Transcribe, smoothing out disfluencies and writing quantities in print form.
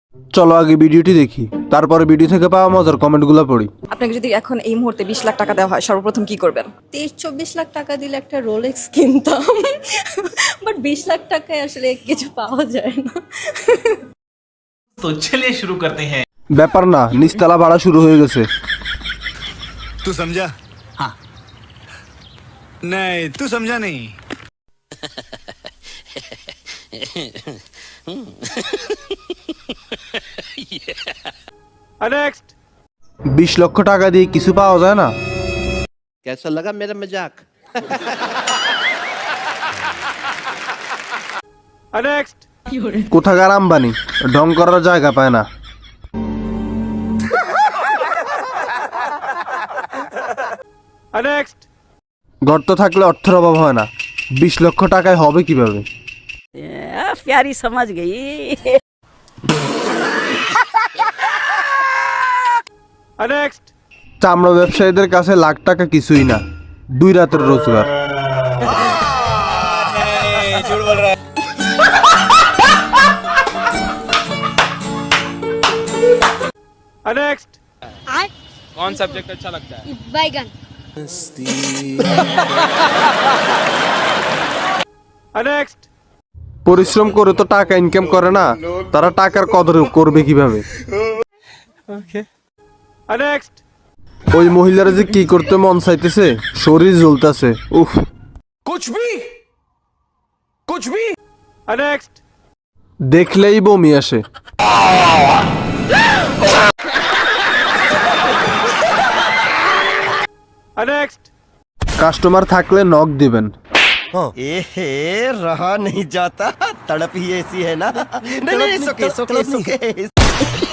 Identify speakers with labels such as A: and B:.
A: চলো আগে ভিডিওটি দেখি, তারপরে ভিডিও থেকে পাওয়া মজার কমেন্টগুলো পড়ি।
B: আপনাকে যদি এখন এই মুহূর্তে 20 লাখ টাকা দেওয়া হয়, সর্বপ্রথম কি করবেন?
C: 23-24 লাখ টাকা দিলে একটা রোলেক্স কিনতাম, বাট 20 লাখ টাকায় আসলে কিছু পাওয়া যায় না।
D: तो चलिए शुरू करते हैं।
A: ব্যাপার না, নিচতলা ভাড়া শুরু হয়ে গেছে।
E: तू समझा? हाँ। नहीं, तू समझा नहीं।
A: नेक्स्ट 20 লক্ষ টাকা দিয়ে কিছু পাওয়া যায় না?
F: कैसा लगा मेरा मजाक?
A: नेक्स्ट কোথাকার আম্বানি ঢং করার জায়গা পায় না। নেক্সট গর্ত থাকলে অর্থের অভাব হয় না, 20 লক্ষ টাকায় হবে কিভাবে?
G: प्यारी समझ गई।
A: নেক্সট চামড়া ব্যবসায়ীদের কাছে লাখ টাকা কিছুই না, 2 রাতের রোজগার। नेक्स्ट
H: कौन सब्जेक्ट अच्छा लगता है?
I: बैगन।
A: नेक्स्ट পরিশ্রম করে তো টাকা ইনকাম করে না, তারা টাকার কদর করবে কিভাবে? নেক্সট ওই মহিলারা যে কি করতে মন চাইতেছে, শরীর জ্বলতেছে, উফ। কুছ ভি নেক্সট দেখলেই বমি আসে। নেক্সট কাস্টমার থাকলে নক দিবেন।
F: रहा नहीं जाता, तड़प ही ऐसी है ना। नहीं, नहीं, it's okay, it's okay, it's okay।